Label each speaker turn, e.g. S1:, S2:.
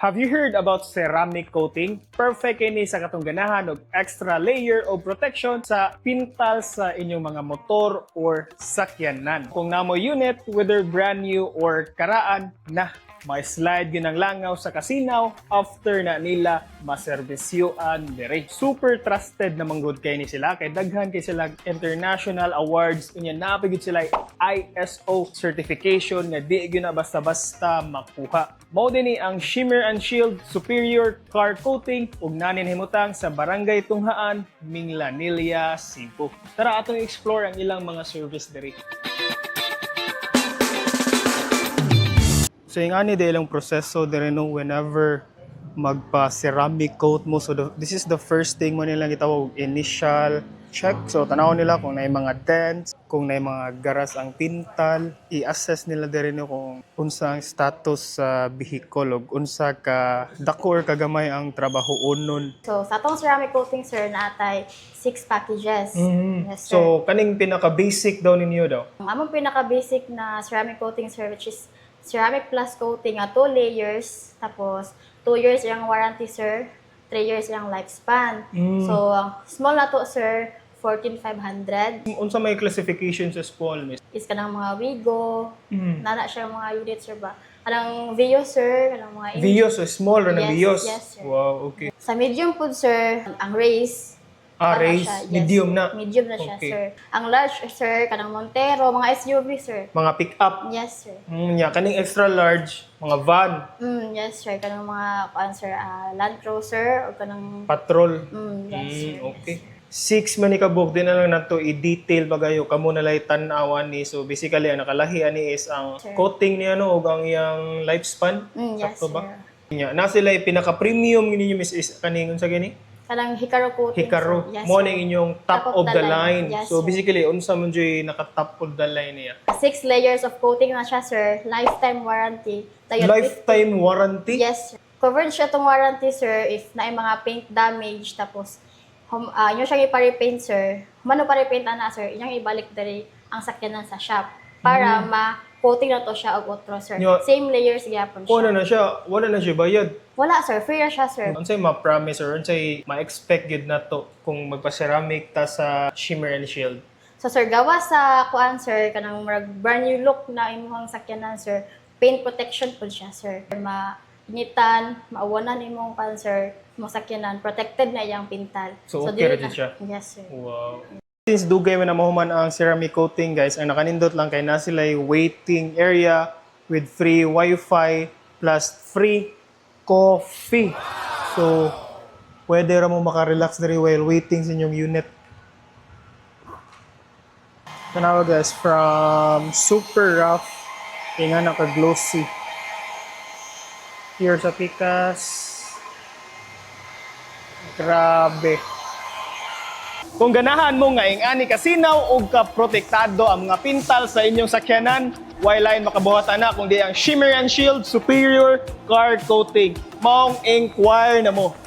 S1: Have you heard about ceramic coating? Perfect ini sa katong ganahan og extra layer of protection sa pintal sa inyong mga motor or sakyanan. Kung namo unit, whether brand new or karaan, may slide yun ang langaw sa kasinaw after na nila maservisyoan dire. Super trusted na manggod kay ni sila kay daghan kay sila international awards unya napigid sila ISO certification nga di gyud na basta-basta makuha. Mao dinhi ang Shimmer and Shield Superior Car Coating ug nanin himutang sa Barangay Tunghaan, Minglanilla, Cebu. Tara atong explore ang ilang mga service dire. So yung ani ilang proseso dire no whenever magpa-ceramic coat mo. So this is the first thing mo nilang gitawag initial check. So tanaw nila kung may mga dents, kung may mga garas ang pintal, i-assess nila dire no kung unsa ang status sa vehicle ug unsa ka dako or kagamay ang trabahoon nun.
S2: So sa atong ceramic coating sir natay 6 packages. Yes, sir.
S1: So kaning pinaka basic daw ninyo daw.
S2: Ang among pinaka basic na ceramic coating sir which is ceramic plus coating 2 layers, tapos 2 years yung warranty sir, 3 years yung lifespan. So small na to sir, 14,500.
S1: Unsa may classification sa small miss?
S2: Is kanang mga Wigo, nana siya mga units sir ba? Kanang Vios sir, kanang mga
S1: Vios, so small ra na
S2: Yes,
S1: Vios.
S2: yes, sir.
S1: Wow, okay.
S2: Sa medium po sir, ang race.
S1: Race,
S2: Yes,
S1: medium na.
S2: Medium na siya
S1: Okay.
S2: sir. Ang large sir, kanang Montero, mga SUV sir.
S1: Mga pick-up.
S2: Yes sir.
S1: Kaning extra large, mga van,
S2: Yes sir, kanang mga sir, Land Cruiser o kanang
S1: patrol.
S2: yes sir.
S1: Okay. 6 man ni kabuk din na lang nato i-detail bagayo kamo na lay tan-awan ni. So basically ang nakalahi ani is ang
S2: Sir.
S1: coating ni ano ug ang iyang lifespan.
S2: Yes
S1: Sakto
S2: sir.
S1: ba? Na sila pinaka-premium ninyo miss is kaning unsa gani?
S2: Kanang Hikaru coating.
S1: Hikaru.
S2: sir. Yes,
S1: Mo
S2: sir.
S1: ning inyong top of the line.
S2: Yes,
S1: So
S2: sir.
S1: basically unsa man joy naka-top of the line niya?
S2: 6 layers of coating na siya sir. Lifetime warranty. Tayo
S1: Lifetime warranty?
S2: Yes sir. Covered siya tong warranty sir if na mga paint damage tapos inyo siya ipa-repaint sir. Mano pa-repaint ana sir, inyong ibalik diri ang sakyanan sa shop para ma-coating na to siya og otro sir.
S1: Yo.
S2: Same layers gyapon
S1: Wala
S2: siya.
S1: wala na siya bayad.
S2: Wala sir, free na siya sir.
S1: Unsay ma-promise or unsay ma-expect gid na to kung magpa-ceramic ta sa Shimmer and Shield?
S2: So sir, gawa sa kuan sir, kanang brand new look na imong sakyanan sir, paint protection po siya sir. Mainitan, maawanan imong kuan sir, imong sakyanan, protected na iyang pintal.
S1: So, okay ra
S2: dili
S1: jud siya?
S2: Yes sir.
S1: Wow. Since dugay man na mahuman ang ceramic coating guys, ang nakanindot lang kay na sila waiting area with free wifi plus free coffee. So, pwede ra mo makarelax diri while waiting sa inyong unit. Tanawa guys, from super rough, kaya nga naka-glossy. Here sa Pikas. Grabe. Kung ganahan mo nga ingani kasinaw og kaprotektado ang mga pintal sa inyong sakyanan, why makabuhatan na kung di ang Shimmer and Shield Superior Car Coating. Maong inquire na mo.